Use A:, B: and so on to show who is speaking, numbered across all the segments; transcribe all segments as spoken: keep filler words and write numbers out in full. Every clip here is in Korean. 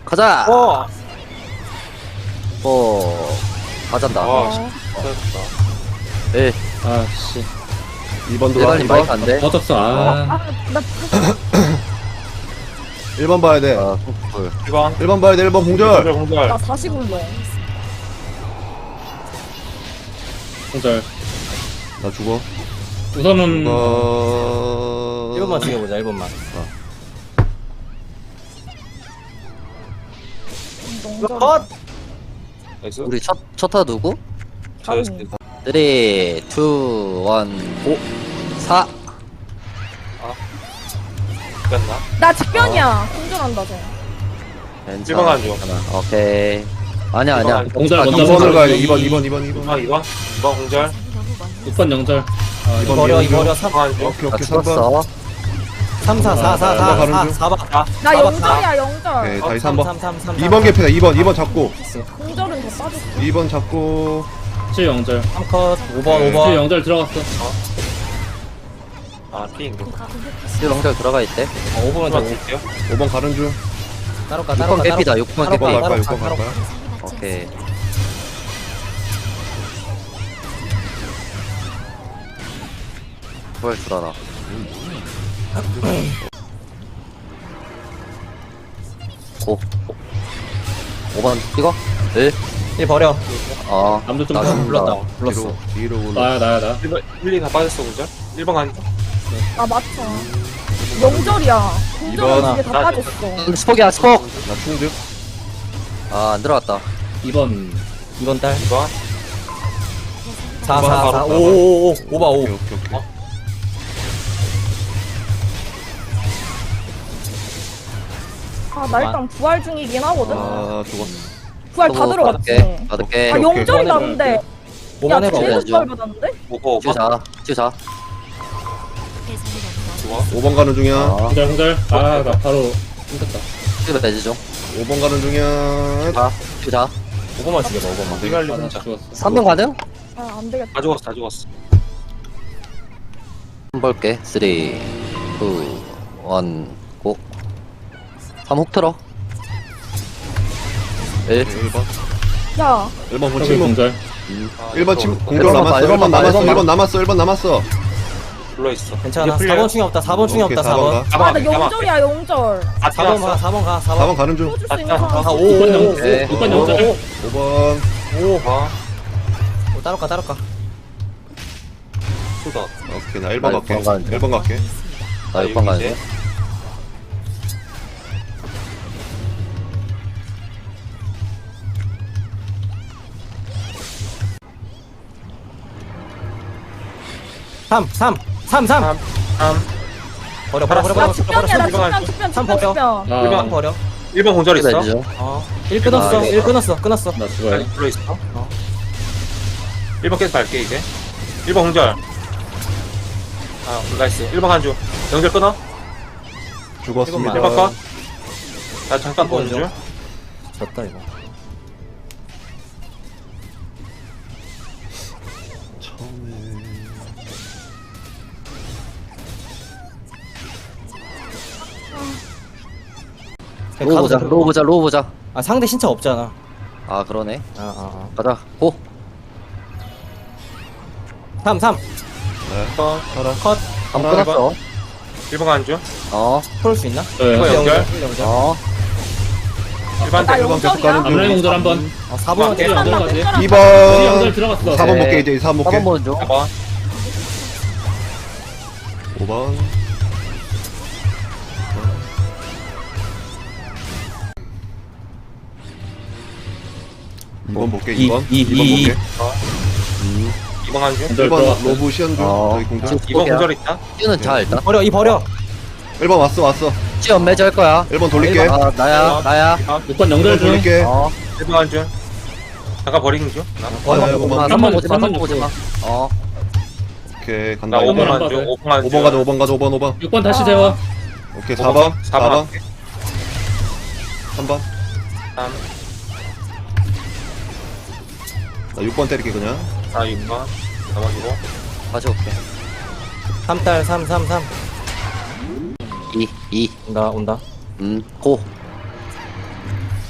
A: 가자.
B: 어.
A: 어. 가잔다.
B: 아,
C: 어.
B: 잘했다.
A: 일.
D: 아씨
E: 이 번 들어와.
A: 대관님
E: 이 번.
A: 마이크 안 돼.
D: 꺼졌어. 아
C: 아나
E: 일 번 봐야 돼.
A: 아, 꿀.
B: 일 번.
E: 일 번 봐야 돼. 일 번 공절.
B: 공절, 공절.
C: 나 다시 굴러.
D: 공절.
E: 나 죽어.
D: 우선은
E: 어...
F: 일 번만 죽여보자. 일 번만.
C: 농전.
F: 컷.
B: 나이스.
A: 우리 첫, 첫타 누구?
B: 잘했어.
A: 삼, 이, 일, 고. 사.
B: 끝나?
C: 나 직변이야. 공전한다 쟤.
A: 괜찮아.
B: 일 번 가죠.
A: 괜찮아. 오케이. 아니야,
B: 일 번
A: 아니야.
B: 가죠.
D: 공절
A: 아,
D: 먼저
E: 이 번을
D: 먼저.
E: 가야 돼. 이 번, 이 번, 이 번, 이 번.
B: 아, 이 번. 이 번 공절.
D: 육 번 영절. 아
E: 이
D: 이거
E: 번
F: 버려, 이
E: 미는
F: 버려.
E: 중.
F: 삼,
B: 한 중.
E: 오케이,
A: 나
E: 오케이. 삼 번.
A: 죽었어.
F: 삼, 사, 사, 사,
E: 나
F: 사,
E: 가는
F: 사,
E: 중.
F: 사 번.
B: 아,
C: 나
F: 사박,
C: 영절이야 영절.
E: 오케이, 다시 삼 번.
F: 삼, 삼, 삼,
E: 이 번 개피다. 이 번, 이 번 잡고.
C: 공절은 더 빠졌어.
E: 이 번 잡고.
D: 칠 영절.
F: 삼 컷. 오 번,
E: 네.
F: 오 번.
D: 칠 영절 들어갔어.
B: 아, 피인가?
A: 일 영절 들어가 있대.
F: 어, 오 번만 더.
B: 드릴게요.
E: 오 번 가는 중.
F: 따로 가,
A: 육
F: 따로
A: 번
F: 가.
A: 깨피다. 육 번
F: 따로
A: 깨피.
F: 가,
E: 육 번 갈 거야,
F: 따로
E: 육 번
F: 가,
E: 갈
F: 따로
E: 거야.
F: 가.
A: 오케이. 뭘 줄알아. 고. 오 번 찍어? 일.
F: 일 버려.
A: 아.
D: 남도 좀
A: 나
D: 더
A: 죽는다.
F: 불렀다. 불렀어.
E: 뒤로, 뒤로 굴러.
D: 나야 나야 나.
B: 일 번, 일, 이 다 빠졌어, 공절. 일 번 가니까.
C: 아 맞죠. 영절이야.
E: 이번.
C: 공절은 이게 다
B: 나-
C: 빠졌어.
A: 스폭이야, 스폭!
E: 나 충득.
A: 아, 안 들어갔다.
D: 이 번.
F: 이 번 딸.
B: 이 번.
F: 사,
B: 이번
F: 사, 사.
B: 바로
F: 오, 오, 오. 오 번, 오.
E: 오케이, 오케이, 오케이.
C: 아 나 일단 부활 중이긴 하거든.
E: 아, 죽었어.
C: 부활 다 들어갔지.
A: 받을게. 받을게.
C: 아
E: 오케이,
C: 영절이
F: 오케이.
C: 나는데.
F: 오
C: 야
F: 번 해봐.
C: 제일
A: 해줘.
C: 부활 받았는데?
B: 오버, 오버.
A: 치우자. 치우자.
B: 좋아.
E: 오 번 가는 중이야.
A: 아,
D: 공절 공절. 아 나 바로 힘들다.
A: 치우자, 돼지 좀.
E: 오 번 가는 중이야.
A: 자, 치우자.
F: 오 번만 죽여봐. 오 번만.
B: 이갈리
D: 아나
B: 혼자.
D: 죽었어.
A: 삼 번 가능?
C: 아 안 되겠다.
B: 다 죽었어, 다 죽었어.
A: 한번 볼게. 삼, 이, 일, 고. 삼 훅 틀어. 일.
E: 일 번.
C: 야
E: 일 번 본
D: 여기
E: 침묵.
D: 공절.
B: 아,
E: 일 번
B: 이거
E: 침
A: 일
E: 공절
A: 번
E: 남았어.
A: 봐,
E: 일 번
A: 일 번 봐,
E: 남았어.
A: 일 번
E: 일 번 남았어. 일 번 남았어.
B: 불러있어.
F: 괜찮아.
B: 이제
F: 사 번
B: 풀려.
F: 충이 없다. 사 번 충이
E: 오케이,
F: 없다.
E: 사 번
F: 사 번.
E: 가.
B: 사
C: 아,
B: 번,
C: 나
B: 사 번.
C: 영절이야 영절.
B: 아,
F: 사 번 가. 사 번 가. 사
E: 사 번
F: 번.
E: 가는 중.
C: 써줄 수 있는
B: 아,
C: 사람.
F: 아, 오,
D: 육 번
F: 오, 오.
D: 영절. 육 번
F: 오,
D: 영절.
F: 오.
E: 오 번.
F: 오.
B: 아,
F: 오, 따로 가. 따로 가.
B: 수다.
E: 오케이, 나 일 번
A: 나
E: 갈게.
A: 육 번 가는
E: 일 번 갈게.
A: 나 육 번 가야
B: 이제.
A: 돼.
F: 삼, 삼. 삼, 삼.
B: 삼, 삼.
F: 버려, 버려, 버려,
C: 나
F: 버려.
C: 직변이야 나
B: 이번
C: 직변
B: 할게.
C: 직변
F: 삼
C: 직변
F: 버려.
C: 직변.
D: 아,
B: 일 번.
F: 삼 버려.
B: 일 번 공절 있어.
A: 돼지 좀.
F: 어. 일 끊었어.
A: 아,
F: 일 끊었어. 끊었어.
D: 나 죽어요.
B: 아니, 불러있어.
F: 어.
B: 일 번 계속 갈게, 이제. 일 번 공절. 아, 나이스. 일 번 간 중. 영절 끊어.
E: 죽었습니다.
B: 일 번 컷. 나 잠깐
F: 일 번
B: 보는 중.
F: 졌다 이거.
E: 처음에.
F: 그냥
A: 로우
F: 가도
A: 보자.
F: 돼.
A: 로우 보자. 로우 보자.
F: 아 상대 신차 없잖아.
A: 아, 그러네.
F: 아, 아, 아.
A: 가자. 고.
F: 삼, 삼.
E: 네.
B: 컷.
E: 가라.
F: 컷.
A: 삼
E: 하나,
A: 끊었어.
B: 일 번 간 중.
A: 어.
F: 풀을 수 있나?
D: 네.
B: 이번 연결.
F: 연결.
A: 어.
B: 일 번
C: 나
E: 일 번 계속 가는
C: 영절이야.
D: 암라인
E: 중.
D: 공절 한 번.
F: 아, 사 번만
B: 오케이.
F: 깨.
D: 일 영절
C: 나
D: 가지.
C: 공절한다.
E: 이
D: 이
E: 번.
D: 영절 들어갔어.
E: 사 번
A: 네.
E: 볼게, 이제 사 번
A: 사 번
E: 볼게.
A: 보는 중.
B: 사 번.
E: 오 번. 이 번 볼게,
F: 이,
E: 이 번.
F: 이,
E: 이 번
F: 이,
E: 볼게.
B: 이 번 간 중.
D: 공절
E: 일 번
D: 들어갔어.
E: 로브 시연 중.
A: 어.
E: 저기 공절.
A: 지금
B: 이 번
A: 스폭이야.
B: 공절 있다.
A: 찌우는 자, 일단.
F: 버려. 이 버려.
E: 일 번 왔어, 왔어.
A: 찌연 매주 할 거야.
E: 일 번 돌릴게.
F: 일 번.
A: 아, 나야. 나야.
D: 육 번
E: 일
D: 영절
E: 번
D: 중.
E: 돌릴게.
A: 어.
B: 일 번 간 중. 잠깐 버리는 중. 나,
F: 버려.
E: 아, 이거 뭐.
A: 아,
D: 삼 번,
A: 삼 번 보지 마.
D: 삼 번
A: 삼 번 보지 마. 어.
E: 오케이, 간다.
B: 나 오
E: 오
B: 번
E: 번.
D: 안
B: 간 중.
D: 봐도
B: 오 번 간 중.
E: 오 번 가자, 오 번 가자, 오 번, 오 번.
D: 육 번 다시 세워.
E: 오케이,
B: 오
E: 사 번. 사 번.
B: 할게.
E: 삼 번.
B: 삼,
E: 나 육 번 때릴게, 그냥.
B: 사, 육 번. 넘어지고.
A: 다시 올게.
F: 삼 딸. 삼, 삼, 삼.
A: 이, 이.
F: 온다. 온다.
A: 음, 고.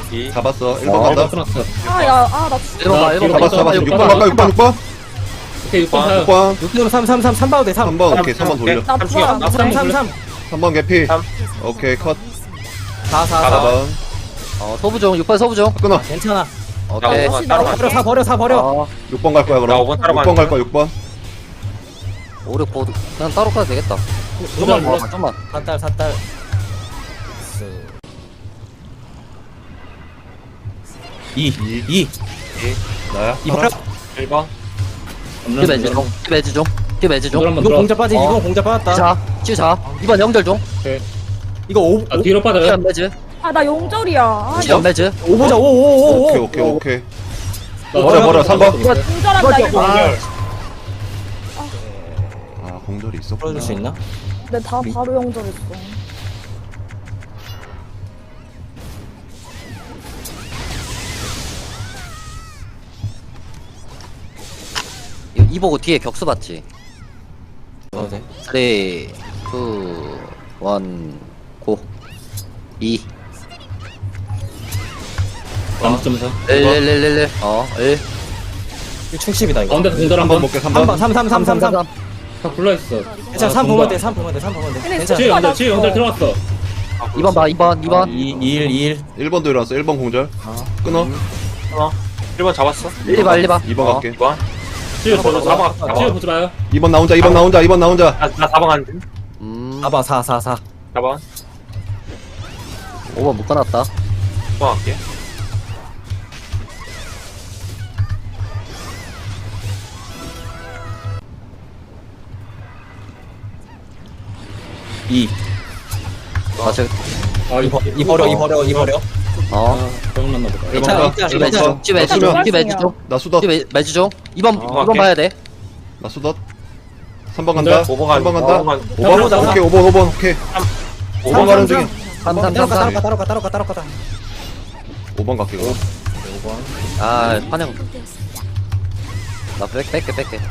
B: 이.
E: 잡았어. 일 번
B: 어,
E: 간다.
D: 끊었어.
C: 아, 야, 아, 나
A: 일 번 봐, 일 번 봐.
E: 잡았어, 잡았어.
D: 육
E: 육 번
D: 번
E: 갈까? 육 번, 육 번?
D: 오케이 육 번
B: 아,
D: 가요.
E: 육 번.
F: 육 번 삼 삼 삼 삼 봐도 돼 삼.
E: 삼 번, 오케이. 삼 번 돌려.
C: 나
B: 삼
C: 부활 안
B: 중이야.
C: 돼.
F: 삼 삼 삼.
E: 삼 번 개피.
B: 삼.
E: 오케이, 컷.
F: 사 사
B: 사
F: 사.
E: 사 번.
A: 어, 소부종, 육 번 소부종.
E: 끊어.
F: 괜찮아.
A: 오케이.
B: 나 따로 가.
F: 버려 사 버려 사 버려.
A: 어,
E: 육 번 갈 거야,
B: 나
E: 그럼.
B: 오 번 따로
E: 육 번 갈
B: 가는데.
E: 거야, 육 번.
A: 오륙 보드. 그냥 따로 가도 되겠다. 좀만
D: 몰라.
A: 봐, 좀만.
F: 사딸 사딸. 이
E: 이.
F: 이.
E: 나야.
F: 이 버려.
B: 일 번.
A: 키 매즈 중, 키 매즈 중, 키 매즈 중.
D: 한번
F: 이거
D: 들어.
F: 공자 빠지.
A: 어.
F: 이거 공자 빠졌다.
A: 치자, 치자. 이번 영절 중.
F: 이거 오
D: 아 뒤로 빠져요.
A: 시간 매즈,
C: 아, 나 용절이야. 아,
A: 시간 매즈.
F: 오 보자. 오 오 오
E: 오케이,
F: 오.
E: 오케이, 오케이.
D: 나
E: 버려, 버려, 삼 번.
A: 이번
C: 용절한다, 이거.
A: 아,
E: 아, 공절이 있었구나.
F: 풀어줄 수 있나?
C: 근데 다 바로 용절했어.
A: 이- 이 보고 뒤에 격수 봤지.
F: 어 돼.
A: 삼, 이, 일, 고. 이.
D: 남점사.
A: 일, 일, 일, 일, 일. 어, 일.
F: 이거 충십이다 이거.
D: 가운데 공절
E: 삼 번
D: 한번.
E: 먹게, 삼
F: 삼 번
E: 번.
F: 삼 삼 삼 삼 삼.
D: 다 불러 있어.
F: 괜찮아 삼 보면 돼. 삼 보면 돼. 삼 보면 돼.
C: 근데
F: 괜찮아.
D: 치유 영절 치유 영절
C: 어.
D: 들어갔어.
A: 이 번 봐, 이 번, 이 번.
F: 이 일 일.
E: 일 번도 일어났어. 일 번 공절. 끊어.
B: 일 번 잡았어.
A: 일 번, 일 번.
E: 이 번
A: 어.
E: 갈게.
B: 이 번.
D: 치유
B: 사
D: 보지
B: 번,
D: 마.
B: 사 번.
D: 치유 보지 마요.
E: 이 번 나 혼자, 이 번 나 혼자, 이 번 나 혼자.
B: 나, 나 사 번 가는데.
A: 음,
F: 사 번 사 사 사.
B: 사 번.
A: 오 번 묶어놨다.
B: 육 번 갈게.
F: 이.
A: 아, 저,
D: 아
F: 이
D: 이거.
F: 버- 이 버려 이 버려 이 버려.
A: 어.
D: 아 병났나 보다.
E: 일 번
F: 괜찮아,
E: 가.
F: 괜찮아,
A: 찌 매즈 중, 찌 매즈 중, 찌 매즈 중.
E: 나 수덧.
A: 찌 매- 매즈 중. 이 번,
B: 어,
A: 이 번
B: 오케이.
A: 봐야 돼.
E: 나 수덧. 삼 번 간다.
B: 오 번
E: 삼 번 간다.
B: 오 번
E: 오 번.
F: 오 번
E: 오케이, 오 번, 오 번. 오케이. 오 번 가는 중에.
A: 삼, 삼,
F: 따로
A: 삼,
F: 가 따로
A: 삼.
F: 가 따로 가 따로 가 따로 가다.
E: 오 번 갈게, 그럼.
A: 아, 환영. 나 뺄게, 뺄게, 뺄게.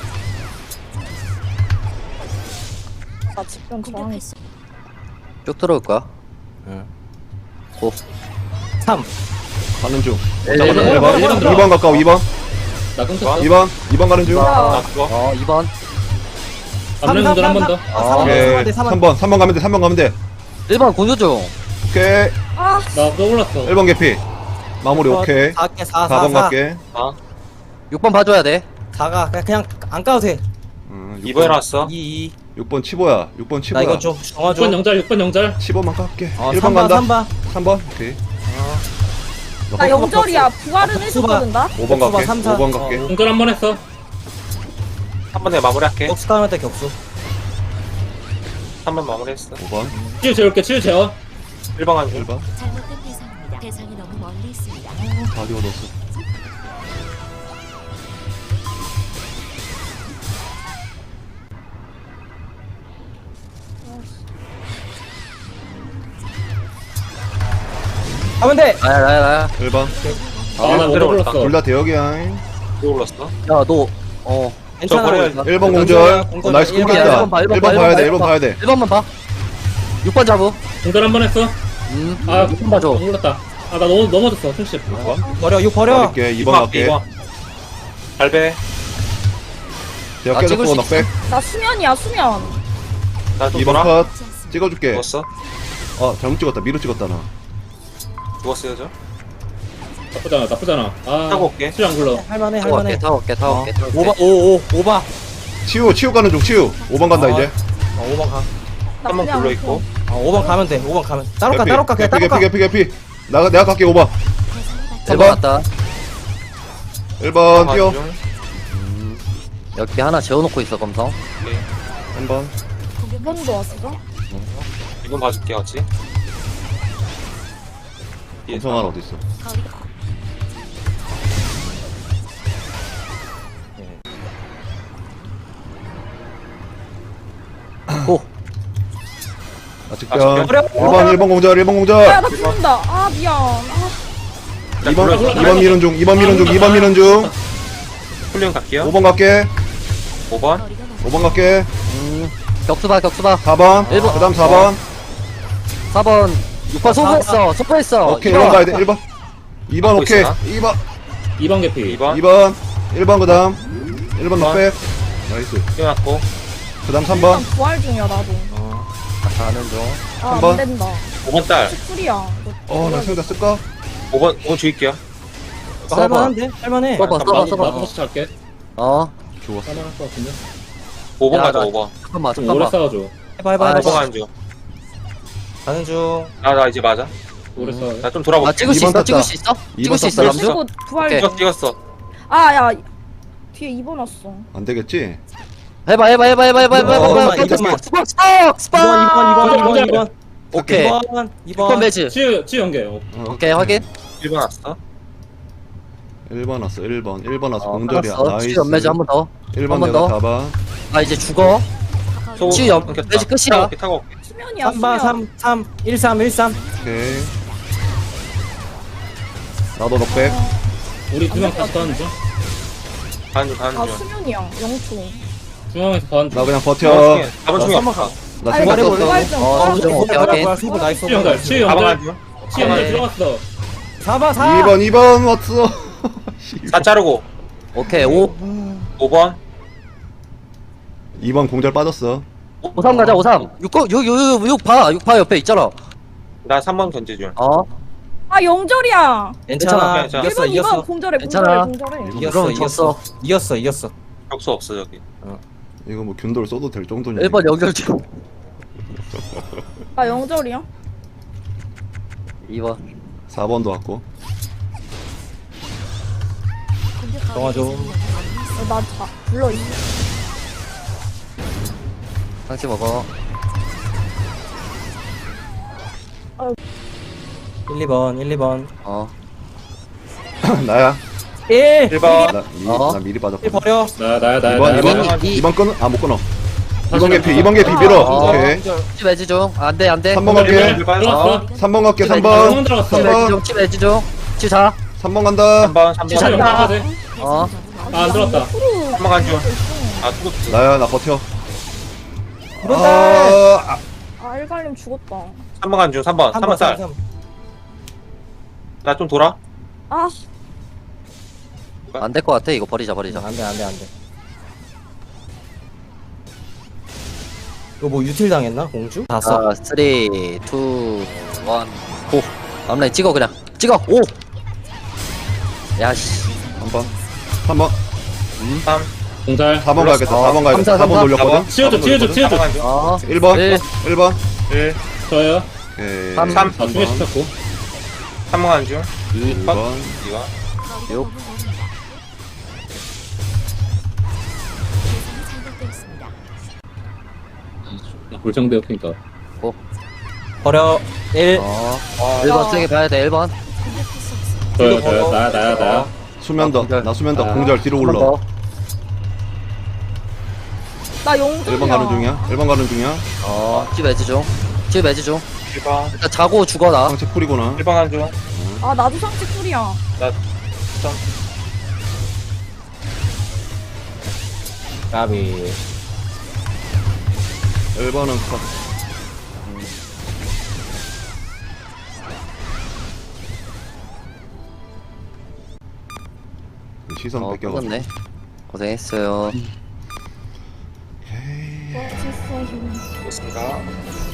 C: 나 집중 저항했어.
A: 쭉 들어올 거야.
F: 응.
A: 고.
F: 삼.
E: 가는 중.
A: 일,
E: 잠깐만,
A: 일, 일,
E: 일 번.
D: 일 번 들어.
E: 이 번 가까워, 이 번.
D: 나 끊겼어.
E: 이 번. 이 번 가는 중.
B: 나 그거.
A: 어, 이 번.
D: 앞면 공절 한 번 더.
F: 아,
E: 오케이. 삼 번. 삼 번 가면 돼, 삼 번 가면 돼.
A: 일 번 공조 중.
E: 오케이.
C: 아,
D: 나 떠올랐어.
E: 일 번 개피. 마무리 오케이.
F: 사 개 사
E: 사 번
F: 사 사.
E: 갈게.
B: 아.
A: 육 번 봐줘야 돼.
F: 사가 그냥 그냥 안 까도 돼.
E: 음,
B: 이 번 일어났어.
F: 이 이.
E: 육 번 치보야. 육 번
F: 나
E: 치보야.
F: 이거 좀 정화
D: 육 번
F: 좀.
D: 영절 육 번 영절.
E: 십 번만 깎게.
F: 어,
E: 일 번
F: 삼 번
E: 간다.
F: 삼 번.
E: 삼 번. 오케이.
C: 나 영절이야. 부활은
F: 아,
C: 해줬거든, 나.
E: 오 번 갈게.
F: 삼, 사.
E: 오 번 갈게.
F: 어,
D: 공절 한 번 했어.
B: 한 번에 마무리할게.
F: 격수 타면 돼 격수.
B: 한 번 마무리했어.
E: 오 번.
D: 치유 재울게 치유 재워.
B: 일 번 가는
E: 일
B: 중.
E: 번.
G: 잘못된 대상입니다. 대상이 너무 멀리 있습니다.
E: 다 지워뒀어.
F: 하면 돼.
A: 나야, 나야, 나야.
E: 일 번.
D: 아나 먼저
B: 들어올까?
D: 불렀어.
E: 둘 다 대역이야.
B: 또 올랐어.
A: 야, 너, 어.
F: 괜찮아.
B: 버려야
E: 일 번
F: 공절,
E: 공절.
F: 공절.
E: 어, 나이스
F: 일 번,
E: 끊겼다.
A: 일 번 봐, 일 번
E: 일
A: 봐,
E: 번
A: 일
E: 봐야
A: 번
E: 돼.
A: 봐,
E: 일 번 봐야 돼.
A: 일 번만 봐. 육 번 잡우.
D: 공절 한 번 했어.
A: 음,
D: 아
A: 육 번 봐줘.
D: 몰랐다. 아 나 너무 넘어졌어 충십.
F: 버려 육 버려.
E: 갈게. 이 번 갈게.
B: 이 번. 발배.
E: 대역
A: 아, 찍을
E: 깨졌고
A: 수
E: 넉백.
C: 나 수면이야, 수면.
B: 나또
E: 이 번
B: 돌아.
E: 컷. 찍어줄게.
B: 죽었어.
E: 어, 잘못 찍었다. 미로 찍었다 나.
B: 죽었어요, 저.
D: 나쁘잖아 나쁘잖아. 아
B: 타고 올게.
D: 치유 안 굴러.
F: 할만해
A: 타고 갈게,
F: 할만해.
A: 타고 갈게, 타고 갈게. 타고 갈게.
F: 오바 오오 오바.
E: 치우, 치우 가는 중. 치우. 오 번 간다
F: 어.
E: 이제.
F: 어 오번 가.
C: 나
B: 한 번
C: 그냥
B: 불러 있고.
F: 어 오번 가면 돼. 오번 가면. 따로 가
E: 개피.
F: 따로 가 그냥
E: 개피,
F: 따로
E: 개피,
F: 가.
E: 개피, 개피. 나, 내가 갈게. 오 번.
G: 대상이
A: 일 번 왔다.
E: 일 번
B: 가는
E: 뛰어.
B: 중.
A: 여기 하나 재워놓고 있어, 검성.
B: 오케이.
E: 한 번.
C: 두 번도 왔어.
B: 이 번 봐줄게, 같이. 뒤에서.
E: 검성 하나 어디 있어?
G: 거리가
A: 고.
E: 아, 직변.
B: 아, 직변?
E: 일 번, 일 번 공절, 일 번
C: 야,
E: 공절.
C: 나 죽는다. 아, 미안. 아,
B: 자,
E: 이 번,
B: 불러.
E: 이 번 미는 중, 이 번 미는 중, 이 번 미는 중.
B: 훈련 갈게요.
E: 오 번 갈게.
B: 오 번.
G: 거리가
E: 오 번 갈게.
A: 음, 격수 봐, 격수 봐.
E: 사 번.
A: 일 번.
E: 그 다음 사 번.
A: 사 번. 육 번 소부했어, 소부했어.
E: 오케이, 일 번 가야 돼, 일 번. 이 번
B: 갖고
E: 오케이.
B: 있으나?
E: 이 번.
D: 이 번 개피.
B: 이 번.
E: 이 번. 일 번 그 다음. 일 번 넉백. 나이스.
B: 뛰어났고.
E: 그 다음 삼 번.
C: 일단 부활 중이야 나도.
B: 어.
A: 나 가는 중.
C: 아,
E: 한 번.
C: 안 된다.
B: 오 번 딸.
C: 쿨이야.
E: 어, 나 생각 쓸까?
B: 오 번, 오 번 줄일게요.
A: 써봐.
F: 할만한데? 할만해.
A: 써봐, 써봐,
D: 나도
A: 써봐.
D: 나도 다시 잘게.
A: 어,
E: 좋아.
D: 할만할 것 같은데.
B: 오 번
A: 야,
B: 가자,
A: 나-
B: 오 번.
A: 잠깐만,
D: 좀 오래
A: 잠깐만.
D: 싸워줘.
F: 해봐 해봐
A: 아,
B: 오 번
F: 해봐.
B: 가는 중.
F: 가는 중.
B: 나, 나 이제 맞아.
D: 오래 싸워.
B: 나 좀 돌아볼게.
A: 아, 찍을 수
E: 이 번
A: 있어?
E: 땄다.
A: 찍을 수 있어?
E: 이
A: 찍을
E: 번
A: 수 있어,
E: 땄다.
A: 남주?
C: 그리고 부활
A: 오케이.
C: 중.
B: 찍었어, 찍었어.
C: 아, 야. 뒤에 이 번 왔어.
E: 안 되겠지?
A: 해봐, 해봐, 해봐, 해봐, 해봐, 해봐,
F: 이번,
A: 해봐, 해봐.
F: 이번.
A: 스팍, 스팍, 스팍.
F: 이번 이번 이번 이번
D: 공절.
F: 이번.
A: 오케이.
F: 이번
A: 이번
F: 이번.
A: 매즈.
D: 치유 치유 연계. 어.
E: 어,
A: 오케이, 확인.
B: 일 번 왔어.
E: 일 번 왔어. 일 번. 일 번 왔어.
A: 어,
E: 공절이야.
A: 알았어.
E: 나이스.
A: 치유 연매즈 한 번 더.
E: 일 번
A: 한번
E: 내가
A: 더.
E: 잡아.
A: 아, 이제 죽어.
B: 소-
A: 치유 연-
B: 끊겼다.
A: 매직 끝이야.
B: 타고 올게, 타고 올게.
C: 수면이야,
F: 삼 번
C: 수면.
F: 삼 삼 일 삼 일 삼.
E: 오케이. 나도 넉백.
D: 우리 두 명 다시 가는 중.
B: 가는 중, 가는
C: 아,
B: 중.
C: 수면이야. 영초.
D: 중앙에서 가는 중.
E: 나 그냥 버텨.
B: 사 번
F: 나
B: 충이
F: 삼 번
B: 없어.
E: 나
C: 아니,
E: 생각
C: 나
E: 썼어.
C: 부활 중.
A: 어,
C: 부활
A: 좀
C: 중.
A: 오케이, 오케이.
F: 승부 나이스.
D: 치유 연결. 치유
B: 사 번
D: 연결.
B: 가는 중.
D: 치유 연결
A: 네.
D: 들어갔어.
F: 사 번 사.
E: 이 번 이 번 왔어.
B: 사 자르고.
A: 오케이, 오.
B: 오 번.
E: 이 번 공절 빠졌어.
A: 오삼 가자, 오삼. 육, 거- 육, 육, 육, 육 봐. 육 봐, 옆에 있잖아.
B: 나 삼 번 견제 중.
A: 어?
C: 아, 영절이야.
F: 괜찮아.
B: 괜찮아.
F: 이겼어
C: 일 번, 이 번
F: 이겼어.
C: 공절해,
A: 괜찮아.
C: 공절해, 공절해.
F: 이겼어
A: 그럼
F: 이겼어.
A: 졌어.
F: 이겼어 이겼어.
B: 격수 없어, 여기.
E: 이거 뭐 균돌 써도 될 정도냐.
A: 일 번 연결 중.
C: 아, 영절이야?
A: 이 번.
E: 사 번도 왔고.
F: 정화 좀.
C: 어, 나 자, 불러, 이.
A: 상치 먹어.
F: 일 이 번 일 이 번.
A: 어.
E: 나야.
F: 일.
B: 일 번.
E: 나, 미,
A: 어?
E: 나 미리
F: 일
E: 빠졌고.
F: 버려.
D: 나 나야 나야
E: 이 번
D: 나야.
E: 이 번
D: 나야.
A: 이-
E: 이 번 끊어? 아 못 끊어. 이 번
D: 다시
E: 개피
D: 가.
E: 이 번 개피 밀어.
A: 어.
E: 오케이.
A: 치 매지 중. 안 돼, 안 돼.
E: 삼 번
D: 일 번,
E: 갈게.
D: 일 번 들어갔어.
E: 삼 번 갈게. 삼
A: 치
E: 번.
D: 번 들어갔어.
A: 치
E: 삼
A: 매지
E: 번.
A: 중, 치 매지 중. 치 자.
E: 삼 번 간다.
B: 삼 번, 삼 번.
A: 치유
D: 치유
A: 잔다.
D: 연결 돼.
A: 어.
D: 아, 안 들어왔다.
B: 삼 번 가는 중. 아, 투구.
E: 나야 나 버텨.
F: 이번 달.
E: 아,
C: 아, 일갈림 죽었다.
B: 삼 번 가는 중. 삼 번. 삼 번 쌀. 나 좀 돌아.
C: 아,
A: 안 될 것 같아. 이거 버리자, 버리자.
F: 안돼 안돼 안돼. 이거 뭐 유틸 당했나 공주? 다 써.
A: 자, 삼, 이, 일, 고. 앞라인 찍어, 그냥. 찍어, 오! 야, 씨.
E: 삼 번. 삼 번.
B: 삼.
D: 공잘.
E: 사 번 가야겠다.
A: 어,
E: 사 번 가야겠다.
A: 삼,
E: 사 번
A: 삼,
E: 돌렸거든.
D: 치워줘 치워줘 치워줘.
B: 삼 번 가는 중.
A: 어.
E: 일 번.
A: 일.
E: 일 번.
B: 일.
D: 저요.
E: 오케이.
A: 삼,
B: 삼.
D: 아 중에 시켰고.
B: 삼 번 가는 중.
E: 이 번.
B: 이 번.
A: 육.
D: 골정되어 그니까.
F: 버려. 일.
A: 어.
B: 어.
A: 일 번 세게 봐야 돼, 일 번.
D: 저요 저요 나야 나야 나야.
E: 수면 더.
A: 공절.
E: 나 수면 더.
D: 아.
E: 공절 뒤로
A: 한 번
E: 올라.
A: 더.
C: 나 영절이야.
E: 일 번 가는 중이야. 일 번 가는 중이야.
A: 어. 치 매지 중. 치 매지 중.
B: 일 번.
A: 일단 자고 죽어, 나.
E: 상체 풀이구나.
B: 일 번 가는 중.
C: 아, 나도 상체 쿨이야.
B: 나 점.
F: 까비.
E: 일 번은 컷. 시선
A: 어,
E: 뺏겨가지고.
A: 끝났네. 고생했어요.
C: 멋있어요.
B: 좋습니다.